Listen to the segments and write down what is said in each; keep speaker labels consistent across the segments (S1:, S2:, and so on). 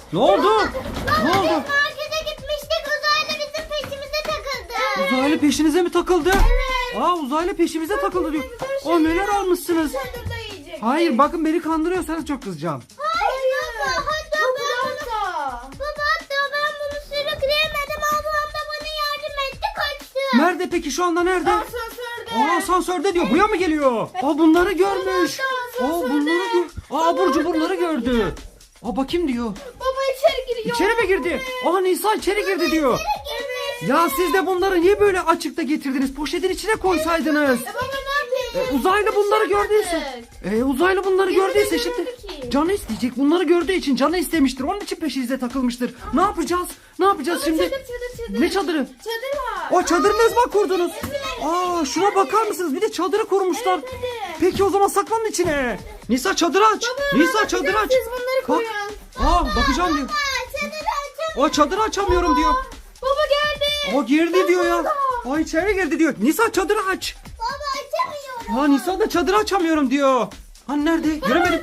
S1: Ne oldu? Ne
S2: Baba
S1: oldu?
S2: biz markete gitmiştik. Uzaylı bizim peşimize takıldı.
S1: Uzaylı peşinize mi takıldı?
S2: Evet.
S1: Aa, uzaylı peşimize takıldı diyor. O neler almışsınız?
S3: Çadırda yiyecek.
S1: Hayır, bakın beni kandırıyorsanız çok kızacağım.
S2: Hayır baba. Hatta ben bunu...
S3: Hatta.
S2: Baba hatta ben bunu sürükleyemedim. Ablam da bana yardım etti, kaçtı.
S1: Nerede peki, şu anda nerede?
S3: Asansörde.
S1: Aa, asansörde diyor. Buraya mı geliyor? Aa, bunları görmüş. Aa, bunları gör. Aa, abur cuburları gördü. Aa, bakayım diyor.
S3: Baba içeri giriyor.
S1: İçeri mi girdi? Aa, Nisa içeri girdi diyor.
S3: Evet.
S1: Ya siz de bunları niye böyle açıkta getirdiniz? Poşetin içine koysaydınız.
S3: Baba ne yapayım?
S1: Uzaylı bunları gördüyse. Uzaylı bunları gördüyse şimdi
S3: görmedi ki.
S1: canı isteyecek. Bunları gördüğü için canı istemiştir. Onun için peşinize takılmıştır. Ne yapacağız? Ne yapacağız şimdi?
S3: Çadır.
S1: Ne çadırı?
S3: Çadır var.
S1: O çadırı ne zaman kurdunuz? Aa, şuna bakar mısınız? Bir de çadırı kurmuşlar. Peki o zaman saklanın içine. Nisa çadırı aç. Nisa çadırı aç.
S3: Siz bunları koyun.
S1: Aa, bakacağım diyor.
S2: Çadırı açalım.
S1: O çadırı açamıyorum diyor.
S3: Baba geldi.
S1: O girdi diyor ya. O içeri girdi diyor. Nisa çadırı aç.
S2: Baba açamıyorum.
S1: Aa, Nisa da çadırı açamıyorum diyor. Hani nerede? Göremedim.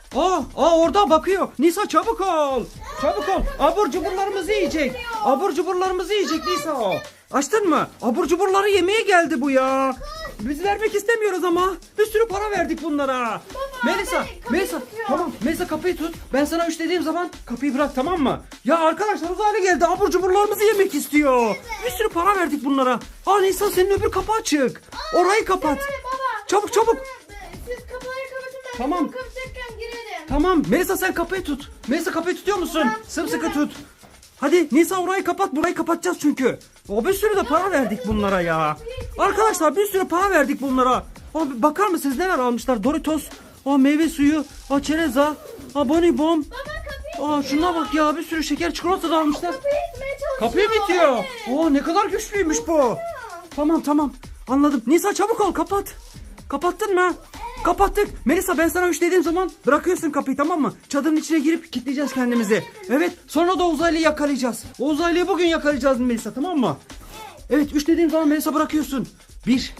S1: Aa, orada bakıyor. Nisa çabuk ol. Çabuk ol. Abur cuburlarımızı yiyecek. Abur cuburlarımızı yiyecek Nisa o. Açtın mı? Abur cuburları yemeye geldi bu ya. Biz vermek istemiyoruz ama. Bir sürü para verdik bunlara. Melisa, tamam. Melisa kapıyı tut. Ben sana 3 dediğim zaman kapıyı bırak, tamam mı? Ya arkadaşlar, uzaylı geldi. Abur cuburlarımızı yemek istiyor. Bir sürü para verdik bunlara. Aa, Nisa senin öbür kapı açık. Orayı kapat.
S3: Baba.
S1: Çabuk çabuk.
S3: Siz kapıları kapatın ben.
S1: Tamam.
S3: Kapatacakken girelim.
S1: Tamam. Melisa sen kapıyı tut. Melisa kapıyı tutuyor musun? Sımsıkı tut. Hadi Nisa, orayı kapat. Burayı kapatacağız çünkü. O bir sürü de para verdik bunlara ya. Arkadaşlar bir sürü para verdik bunlara. Abi bakar mısınız neler almışlar? Doritos, meyve suyu, çereza, bonibon. Şuna bak ya, bir sürü şeker çikolata da almışlar.
S3: Kapıyı itmeye çalışıyor.
S1: Kapıyı mı itiyor?
S3: Evet.
S1: Ne kadar güçlüymüş bu. Tamam anladım. Nisa çabuk ol, kapat. Kapattın mı? Kapattık. Melisa ben sana 3 dediğim zaman bırakıyorsun kapıyı, tamam mı? Çadırın içine girip kilitleyeceğiz kendimizi. Evet, sonra da uzaylıyı yakalayacağız. O uzaylıyı bugün yakalayacağız Melisa, tamam mı? Evet, 3 dediğim zaman Melisa bırakıyorsun. 1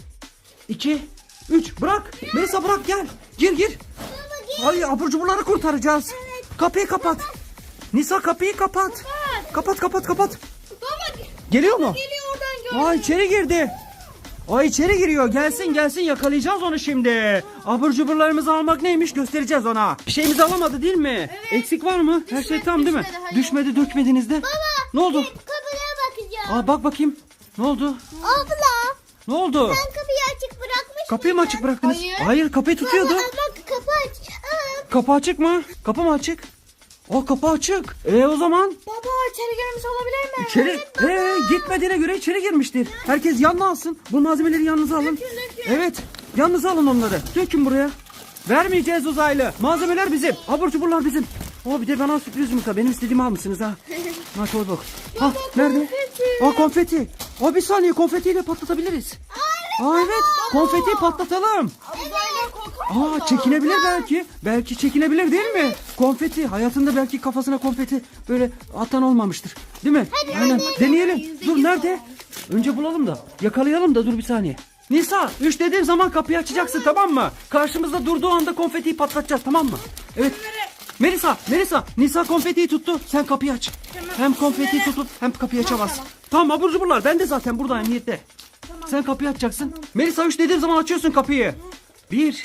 S1: 2 3 bırak. Melisa bırak, gel. Gir. Hayır, abur cuburları kurtaracağız. Kapıyı kapat. Nisa kapıyı kapat. Kapat.
S3: Baba
S1: Geliyor mu?
S3: geliyor oradan gör.
S1: İçeri girdi. İçeri giriyor. Gelsin yakalayacağız onu şimdi. Abur cuburlarımızı almak neymiş göstereceğiz ona. Bir şeyimizi alamadı değil mi?
S3: Evet.
S1: Eksik var mı? Her şey tam değil mi?
S3: düşmedi, hayır.
S1: Düşmedi, dökmediniz de. Ne oldu?
S2: Kapıya bakacağım.
S1: Bak bakayım. Ne oldu?
S2: Abla
S1: Ne oldu?
S2: sen kapıyı açık bırakmış
S1: Kapıyı mı
S2: mıydın?
S1: açık bıraktınız?
S3: Hayır.
S1: Hayır, kapıyı tutuyordu.
S2: Baba bak kapı aç.
S1: Kapı açık mı? Kapı mı açık? Kapı açık. O zaman
S3: Baba içeri girmiş olabilir mi?
S1: İçeri gitmediğine göre içeri girmiştir. Herkes yanına alsın. Bu malzemeleri yanınıza alın.
S3: Dökün.
S1: Evet, yanınıza alın onları. Dökün buraya. Vermeyeceğiz uzaylı. Malzemeler bizim. Abur cuburlar bizim. Bir de bana sürpriz yumurta. Benim istediğimi almışsınız ha. Koy bak. Nerede? Konfeti. Bir saniye, konfetiyle patlatabiliriz. Evet, konfetiyi patlatalım.
S3: Uzaylılar korkar mı?
S1: Çekinebilir belki. Belki çekinebilir değil mi? Konfeti. Hayatında belki kafasına konfeti böyle atan olmamıştır. Değil mi? Aynen. Deneyelim. Dur, nerede? Önce bulalım da. Yakalayalım da, dur bir saniye. Nisa, 3 dediğim zaman kapıyı açacaksın, tamam mı? Karşımızda durduğu anda konfetiyi patlatacağız, tamam mı? Evet. Melisa, Nisa konfetiyi tuttu. Sen kapıyı aç. Hem konfetiyi tutup hem kapıyı açamazsın. Tamam, abur cuburlar. Ben de zaten buradayım niyette. Sen kapıyı açacaksın. Melisa 3 dediğim zaman açıyorsun kapıyı. 1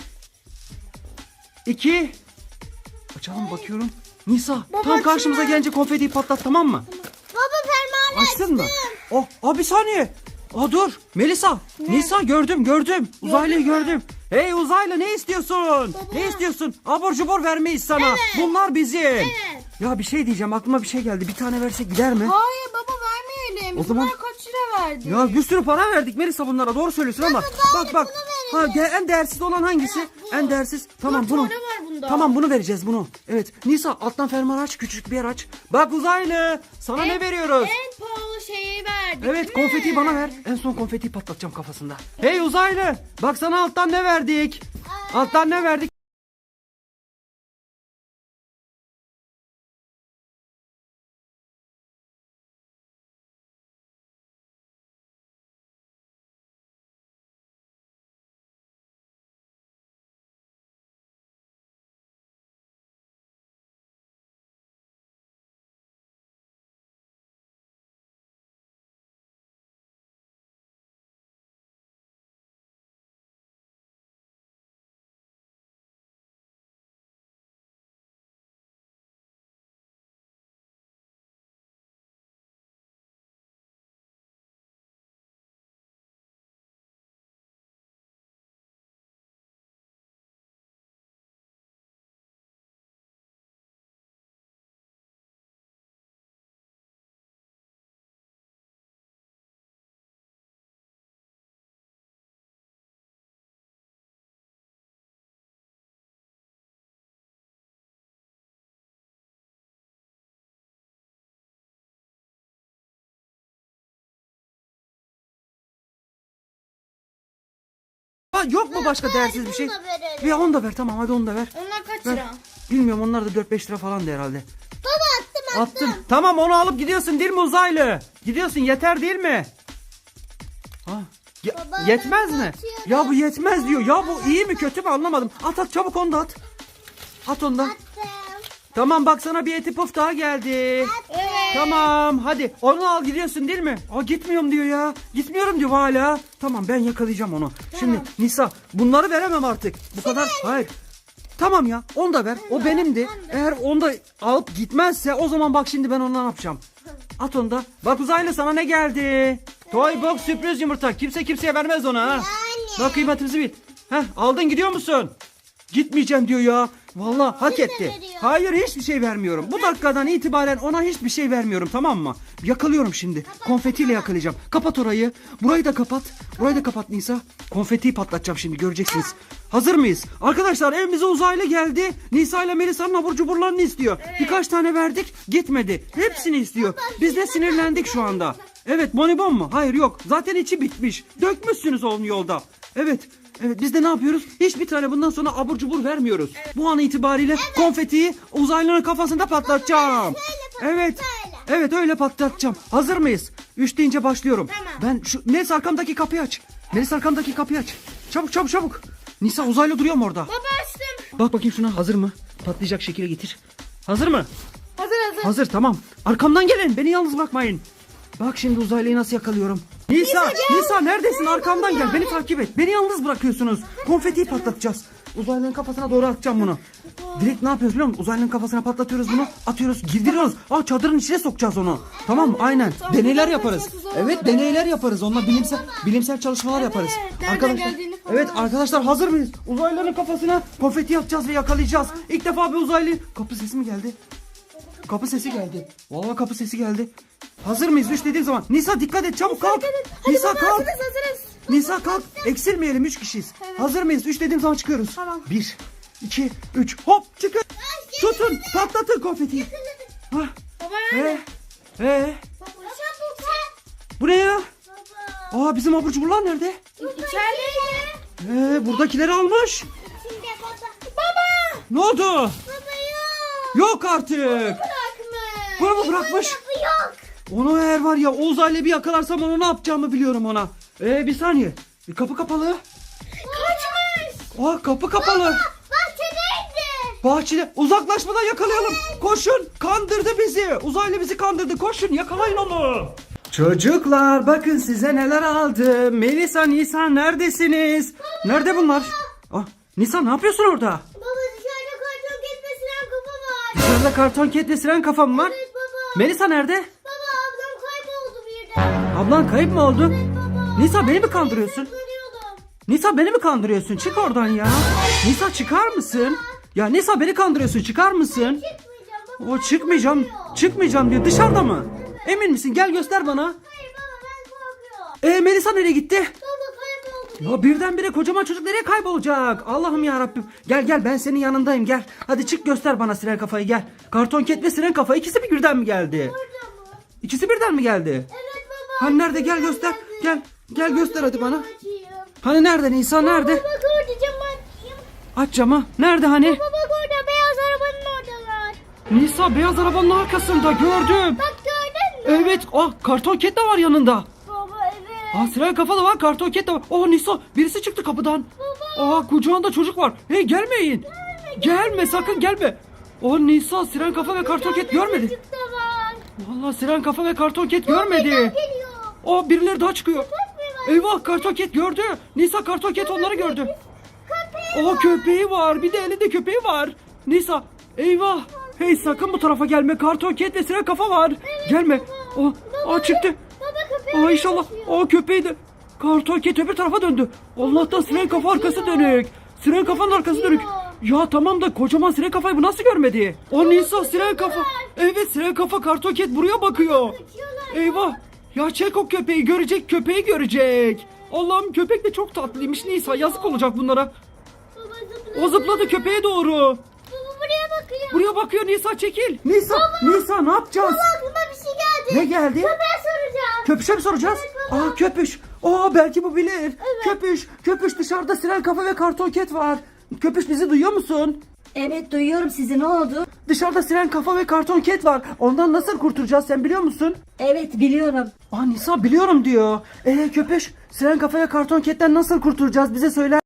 S1: 2 Açalım, bakıyorum. Nisa tam karşımıza gelince konfetiyi patlat, tamam mı?
S2: Baba fermuarı
S1: Açtın mı? Bir saniye. Dur. Melisa. Nisa gördüm. Uzaylıyı gördüm. Hey uzaylı, ne istiyorsun? Ne istiyorsun? Abur cubur vermeyiz sana. Bunlar bizim. Ya bir şey diyeceğim, aklıma bir şey geldi. Bir tane versek gider mi?
S3: Hayır baba vermeyelim.
S1: O zaman-
S3: Bunlar kaç lira verdi?
S1: Ya bir sürü para verdik Melisa bunlara, doğru söylüyorsun ama bak. En değersiz olan hangisi? En değersiz. Tamam,
S3: Dört
S1: bunu.
S3: tane var bunda.
S1: Tamam, bunu vereceğiz bunu. Evet. Nisa alttan fermuar aç, küçük bir yer aç. Bak uzaylı, sana ne veriyoruz?
S3: En pahalı şeyi verdik.
S1: Evet,
S3: değil mi?
S1: konfetiyi bana ver. En son konfetiyi patlatacağım kafasında. Hey uzaylı, bak sana alttan ne verdik? Alttan ne verdik? Yok mu başka değersiz bir şey?
S2: Bunu da verelim.
S1: Ya onu da ver, tamam, hadi onu da ver.
S3: Onlar kaç
S1: Ver.
S3: lira?
S1: Bilmiyorum, onlar da 4-5 lira falan da herhalde.
S2: Baba attım.
S1: Tamam, onu alıp gidiyorsun değil mi uzaylı? Gidiyorsun, yeter değil mi? Ha,
S2: Baba,
S1: yetmez
S2: ben
S1: mi?
S2: atıyorum.
S1: Ya bu yetmez diyor. Ya bu iyi mi kötü mü anlamadım. At çabuk, onu da at. At onu da.
S2: Attım.
S1: Tamam, bak sana bir eti puf daha geldi.
S3: Evet.
S1: Tamam, hadi onu al, gidiyorsun değil mi? Gitmiyorum diyor ya. Gitmiyorum diyor hala. Tamam, ben yakalayacağım onu. Şimdi Nisa, bunları veremem artık. Bu kadar. Hayır. Tamam ya, onu da ver. O benimdi. Eğer onu da alıp gitmezse o zaman bak şimdi ben onu ne yapacağım? At onu da. Bak uzaylı, sana ne geldi? Toy box sürpriz yumurta. Kimse kimseye vermez ona ha. Bak kıymetimizi bil. Heh, aldın, gidiyor musun? Gitmeyeceğim diyor ya. Vallahi hak etti.
S2: veriyor.
S1: Hayır, hiçbir şey vermiyorum. Bu dakikadan itibaren ona hiçbir şey vermiyorum, tamam mı? Yakalıyorum şimdi. Konfetiyle yakalayacağım. Kapat orayı. Burayı da kapat. Burayı da kapat Nisa. Konfetiyi patlatacağım şimdi, göreceksiniz. Hazır mıyız? Arkadaşlar, evimize uzaylı geldi. Nisa ile Melisa'nın abur cuburlarını istiyor. Birkaç tane verdik, gitmedi. Hepsini istiyor. Biz de sinirlendik şu anda. Evet, bonibon mu? Hayır, yok. Zaten içi bitmiş. Dökmüşsünüz onun yolda. Evet. Evet, biz de ne yapıyoruz? Hiçbir tane bundan sonra abur cubur vermiyoruz. Bu an itibariyle konfetiyi uzaylının kafasında patlatacağım. Evet. Evet, öyle patlatacağım. Hazır mıyız? 3 deyince başlıyorum.
S3: Tamam.
S1: Ben şu Melis, arkamdaki kapıyı aç. Melis, arkamdaki kapıyı aç. Çabuk çabuk çabuk. Nisa, uzaylı duruyor mu orada?
S3: Baba açtım.
S1: Bak bakayım şuna, hazır mı? Patlayacak şekilde getir. Hazır mı?
S3: Hazır.
S1: Hazır, tamam. Arkamdan gelin, beni yalnız bırakmayın. Bak şimdi uzaylıyı nasıl yakalıyorum. Nisa neredesin? Arkamdan gel, beni takip et. Beni yalnız bırakıyorsunuz. Konfetiyi patlatacağız. Uzaylının kafasına doğru atacağım bunu. Direkt ne yapıyoruz biliyor musun? Uzaylının kafasına patlatıyoruz bunu. Atıyoruz, girdiriyoruz. Çadırın içine sokacağız onu. Tamam mı? Aynen. Deneyler yaparız. Evet, deneyler yaparız. Onunla bilimsel çalışmalar yaparız.
S3: nereden
S1: Arkadaşlar.
S3: geldiğini falan.
S1: Evet arkadaşlar, hazır mıyız? Uzaylıların kafasına konfeti atacağız ve yakalayacağız. İlk defa bir uzaylı. Kapı sesi mi geldi? Kapı sesi geldi. Vallahi kapı sesi geldi. Hazır mıyız? 3 dediğim zaman. Nisa dikkat et, çabuk kalk. Nisa kalk.
S3: Hazırız.
S1: Nisa kalk. Eksilmeyelim, 3 kişiyiz. Hazır mıyız? 3 dediğim zaman çıkıyoruz.
S3: Tamam.
S1: 1, 2, 3. Hop, çıkın. Tutun. Patlatın konfetiyi. Hah.
S3: Baba nerede?
S2: Çabuk.
S1: Bu ne ya?
S2: Baba.
S1: Bizim abur cuburlar nerede?
S3: İçeride.
S1: Buradakileri almış.
S2: Şimdi baba.
S3: Baba.
S1: Ne oldu?
S2: Baba yok.
S1: Yok artık.
S3: Bırakmış.
S1: Bunu mu bırakmış?
S2: Bu yok.
S1: Onu eğer var ya, o uzaylı bir yakalarsam onu ne yapacağımı biliyorum ona. Bir saniye. Kapı kapalı.
S3: Kaçmış.
S1: Kapı kapalı.
S2: Bahçedeydi.
S1: Bahçede, uzaklaşmadan yakalayalım. Koşun, kandırdı bizi. Uzaylı bizi kandırdı. Koşun, yakalayın onu. Çocuklar, bakın size neler aldım. Melisa, Nisa neredesiniz? Nerede bunlar? Nisa, ne yapıyorsun orada?
S2: Baba dışarıda karton ketmesinden kafa var.
S1: Dışarıda karton ketle siren kafam var.
S2: Evet baba.
S1: Melisa nerede?
S2: Baba ablam kayboldu birden.
S1: Ablan kayıp mı oldu?
S2: Baba.
S1: Nisa, beni mi kandırıyorsun?
S2: Görüyordum.
S1: Nisa, beni mi kandırıyorsun? Çık oradan ya. Nisa, çıkar mısın? Ya Nisa, beni kandırıyorsun. Çıkar mısın?
S2: Çıkmayacağım baba.
S1: Çıkmayacağım. Çıkmayacağım diyor. Dışarıda mı? Emin misin? Gel göster bana.
S2: Hayır baba ben korkuyorum.
S1: Melisa nereye gitti?
S2: Baba kayboldu.
S1: Ya birdenbire kocaman çocuk nereye kaybolacak? Allah'ım ya Rabbim. Gel ben senin yanındayım, gel. Hadi çık, göster bana siren kafayı, gel. Karton ket ve siren kafa, ikisi bir birden mi geldi?
S2: Burada mı?
S1: İkisi birden mi geldi?
S2: Evet baba.
S1: Hani nerede? Gel göster. Gel göster hadi bana.
S2: Açayım.
S1: Hani nerede Nisa, nerede?
S2: Baba orada camı açayım.
S1: Aç camı. Nerede hani?
S2: Baba orada beyaz arabanın oradalar.
S1: Nisa, beyaz arabanın arkasında gördüm.
S2: Bak gördün mü?
S1: Evet. Karton ket de var yanında.
S2: Baba evet.
S1: Siren kafa da var, karton ket de var. Nisa, birisi çıktı kapıdan. Kucağında çocuk var. Hey, gelmeyin. Gelme, sakın gelme. Nisa, siren kafa ve karton ket görmedi.
S2: Çocuk da var.
S1: Vallahi siren kafa ve karton ket görmedi.
S2: Geliyor.
S1: Birileri daha çıkıyor.
S2: Köpek var.
S1: Eyvah, karton ket gördü. Nisa, karton ket onları gördü. Köpeği var. Bir de elinde köpeği var. Nisa, eyvah. Hey, sakın bu tarafa gelme. Karton ket ve siren kafa var. Gelme. Çıktı.
S2: Baba köpeği.
S1: İnşallah. Köpeği de. Karton ket öbür tarafa döndü. Allah'tan siren kafa arkası dönük. Siren kafanın arkası dönük. Ya tamam da kocaman siren kafayı bu nasıl görmedi? Nisa, siren kafa. Evet, siren kafa, karton ket buraya bakıyor. Eyvah. Ya çek o köpeği, köpeği görecek. Allah'ım, köpek de çok tatlıymış Nisa, yazık olacak bunlara.
S2: Baba zıpladı.
S1: O zıpladı köpeğe doğru.
S2: Baba buraya bakıyor.
S1: Buraya bakıyor Nisa, çekil. Nisa ne yapacağız?
S2: Baba aklıma bir şey geldi.
S1: Ne geldi?
S2: Köpeğe soracağım.
S1: Köpüşe mi soracağız?
S2: Evet baba.
S1: Köpüş. Belki bu bilir. Köpüş dışarıda siren kafa ve karton ket var. Köpüş bizi duyuyor musun?
S4: Evet duyuyorum sizi, ne oldu?
S1: Dışarıda siren kafa ve karton ket var. Ondan nasıl kurtulacağız sen biliyor musun?
S4: Evet biliyorum.
S1: Aa Nisa biliyorum diyor. Köpüş siren kafa ve karton ketten nasıl kurtulacağız bize söyler.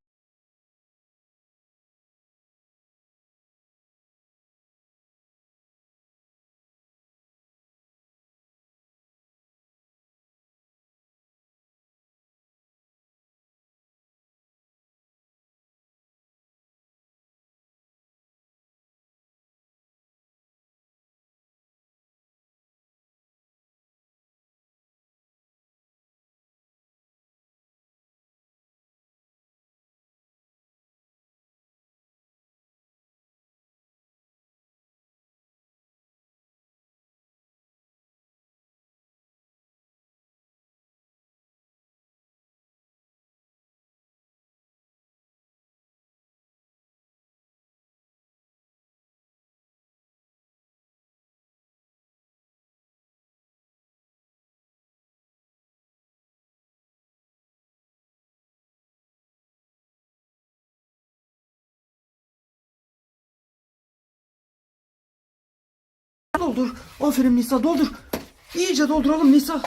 S1: Doldur. Aferin Nisa doldur. İyice dolduralım Nisa.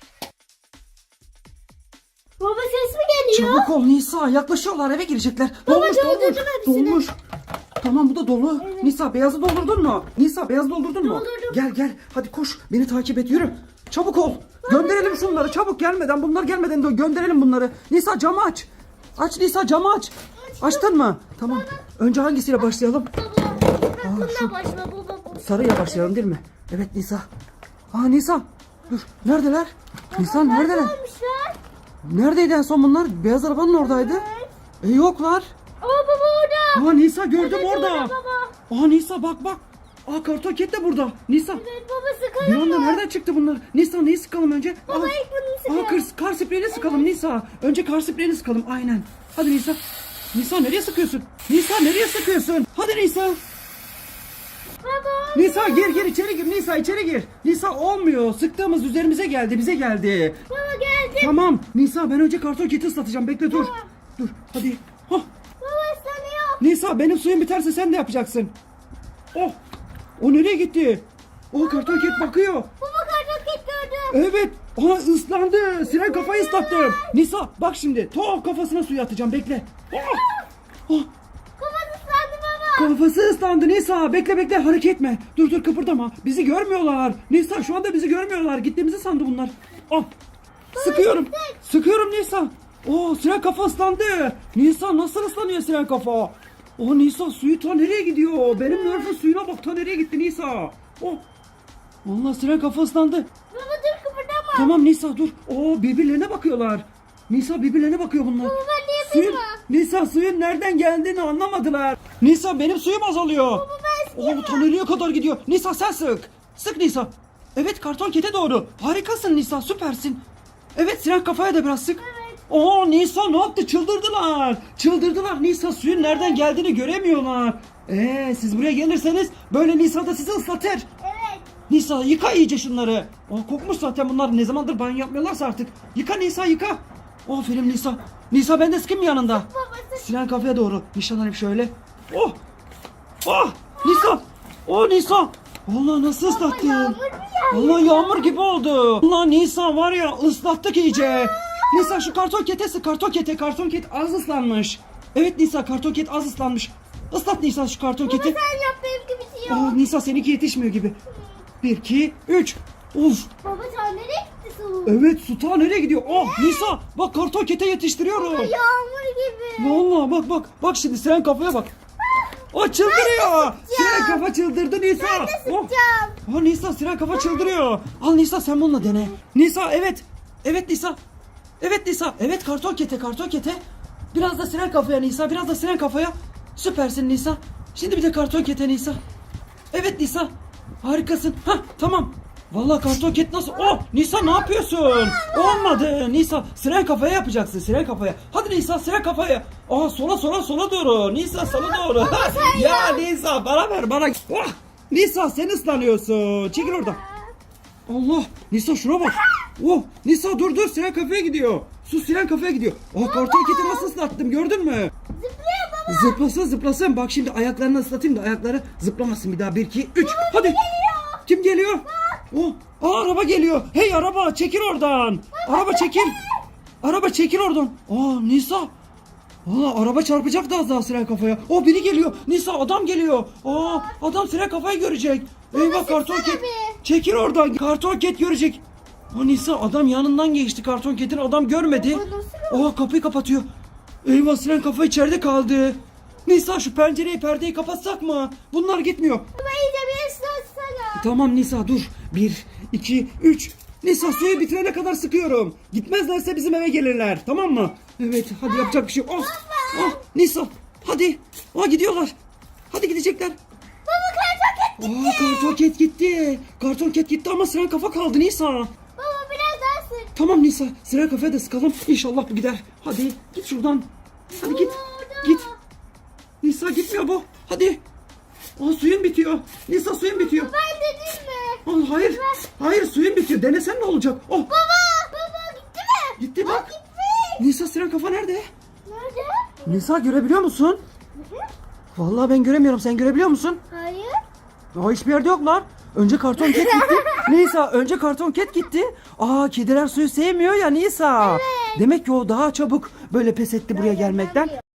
S2: Baba ses mi geliyor?
S1: Çabuk ol Nisa. Yaklaşıyorlar eve girecekler.
S2: Baba,
S1: Dolmuş.
S2: doldurdum hepsini.
S1: Dolmuş. Tamam bu da dolu. Nisa beyazı doldurdun mu? Nisa beyazı doldurdun mu?
S2: Doldurdum.
S1: Gel hadi koş. Beni takip et yürü. Çabuk ol. Gönderelim şunları çabuk gelmeden. Bunlar gelmeden de gönderelim bunları. Nisa camı aç. Aç Nisa camı aç. Açtın mı? Tamam. Önce hangisiyle başlayalım?
S2: Baba. Bununla başla baba.
S1: Sarıyla başlayalım değil mi? Evet Nisa. Nisa. Dur. Neredeler? Nisa neredeler?
S2: Olmuşlar.
S1: Neredeydi en son bunlar? Beyaz arabanın oradaydı. Yoklar.
S2: Baba orada.
S1: Nisa gördüm orada.
S2: Baba.
S1: Nisa bak. Karton ket de burada. Nisa.
S2: Evet baba
S1: Bir
S2: sıkalım
S1: anda
S2: mı?
S1: nereden çıktı bunlar? Nisa neyi sıkalım önce?
S2: Baba ilk bunu sıkalım.
S1: Kar spreyini sıkalım Nisa. Önce kar spreyini sıkalım aynen. Hadi Nisa. Nisa nereye sıkıyorsun? Nisa nereye sıkıyorsun? Hadi Nisa.
S2: Baba.
S1: Nisa gir içeri gir. Nisa içeri gir. Nisa olmuyor. Sıktığımız üzerimize geldi. Bize geldi.
S2: Baba geldi.
S1: Tamam. Nisa ben önce karton keti ıslatacağım. Bekle dur. Dur hadi.
S2: Baba ıslanıyor.
S1: Nisa benim suyum biterse sen de yapacaksın. O nereye gitti? Karton ket bakıyor.
S2: Baba karton ket gördüm.
S1: Evet. Islandı. Siren kafayı ıslattım. Nisa bak şimdi. Kafasına suyu atacağım. Bekle.
S2: Kafası ıslandı baba.
S1: Kafası ıslandı Nisa. Bekle hareket etme. Dur kıpırdama. Bizi görmüyorlar. Nisa şu anda bizi görmüyorlar. Gittiğimizi sandı bunlar. Sıkıyorum. Sıkıyorum Nisa. Siren kafa ıslandı. Nisa nasıl ıslanıyor siren kafa? Nisa suyu ta nereye gidiyor? Benim nerf'ün suyuna bak ta nereye gitti Nisa. Vallahi siren kafa ıslandı.
S2: Baba dur kıpırdama.
S1: Tamam Nisa dur. Birbirlerine bakıyorlar. Nisa birbirlerine bakıyor bunlar.
S2: Baba ben de yapayım mı?
S1: Nisa suyun nereden geldiğini anlamadılar. Nisa benim suyum azalıyor.
S2: Baba ben
S1: Bu toneliğe kadar gidiyor. Nisa sen sık. Sık Nisa. Evet karton kete doğru. Harikasın Nisa süpersin. Evet siren kafaya da biraz sık. Nisa ne yaptı? Çıldırdılar. Nisa suyun nereden geldiğini göremiyorlar. Siz buraya gelirseniz böyle Nisa da sizi ıslatır.
S2: Evet.
S1: Nisa yıka iyice şunları. Kokmuş zaten bunlar. Ne zamandır banyo yapmıyorlarsa artık. Yıka Nisa yıka. Aferin Nisa. Nisa ben de sıkayım yanında.
S2: Baba sık.
S1: Sinan kafeye doğru. Nişanlanıp şöyle. Nisa. Nisa. Allah nasıl ıslattı.
S2: Yağmur mu yağıyor?
S1: Allah yağmur gibi oldu. Allah Nisa var ya ıslattık iyice. Nisa şu karton kete sık. Karton ket az ıslanmış. Evet Nisa karton ket az ıslanmış. Islat Nisa şu karton
S2: Baba
S1: keti.
S2: sen yap benimki bitiyor.
S1: Nisa seninki yetişmiyor gibi. 1, 2, 3. Uf.
S2: Baba sen nereye gitti su?
S1: Evet su ta nereye gidiyor? Nisa bak karton kete yetiştiriyorum.
S2: Yağmur gibi.
S1: Vallahi bak şimdi siren kafaya bak. Çıldırıyor. Siren kafa çıldırdı Nisa.
S2: Ben de sıkacağım.
S1: Nisa siren kafa çıldırıyor. Al Nisa sen bununla dene. Nisa evet. Evet Nisa. Evet karton kete. Biraz da siren kafaya Nisa. Biraz da siren kafaya. Süpersin Nisa. Şimdi bir de karton kete Nisa. Evet Nisa. Harikasın. Tamam. Vallahi karton ket nasıl? Nisa ne yapıyorsun? Olmadı. Nisa siren kafaya yapacaksın. Siren kafaya. Hadi Nisa siren kafaya. Sola doğru. Nisa sola doğru. Ya Nisa bana ver bana. Nisa sen ıslanıyorsun. Çekil oradan. Allah. Nisa şuna bak. Nisa dur siren kafaya gidiyor. Su siren kafaya gidiyor. Karton keti nasıl ıslattım gördün mü?
S2: Zıplıyor baba.
S1: Zıplasın. Bak şimdi ayaklarını ıslatayım da ayakları zıplamasın bir daha. 1, 2, 3. Hadi. Kim geliyor? Araba geliyor. Hey araba çekil oradan. Araba çekil. Araba çekil oradan. Nisa. Araba çarpacak da az daha siren kafaya. Biri geliyor. Nisa adam geliyor. Adam siren kafayı görecek. Eyvah karton ket. Çekil oradan. Karton ket görecek. Nisa adam yanından geçti karton ketin. Adam görmedi. Kapıyı kapatıyor. Eyvah siren kafa içeride kaldı. Nisa şu pencereyi perdeyi kapatsak mı? Bunlar gitmiyor.
S2: Baba iyice bir ıslatsana.
S1: Tamam Nisa dur. 1, 2, 3. Nisa suyu bitirene kadar sıkıyorum. Gitmezlerse bizim eve gelirler. Tamam mı? Evet hadi yapacak bir şey yok. Nisa hadi. Gidiyorlar. Hadi gidecekler.
S2: Baba karton ket.
S1: Karton ket gitti. Karton ket gitti ama siren kafa kaldı Nisa.
S2: Baba biraz daha sık.
S1: Tamam Nisa siren kafaya da sıkalım. İnşallah bu gider. Hadi git şuradan. Hadi git. Git. Nisa gitmiyor bu. Hadi. Suyun bitiyor. Nisa suyun bitiyor.
S2: Ben dedim mi?
S1: Hayır. Hayır suyun bitiyor. Denesen ne olacak?
S2: Baba gitti mi?
S1: Gitti bak.
S2: Gitti.
S1: Nisa siren kafa nerede?
S2: Nerede?
S1: Nisa görebiliyor musun? Vallahi ben göremiyorum. Sen görebiliyor musun?
S2: Hayır.
S1: Hiçbir yerde yoklar. Önce karton ket gitti. Nisa önce karton ket gitti. Kediler suyu sevmiyor ya Nisa. Demek ki o daha çabuk böyle pes etti buraya gelmekten.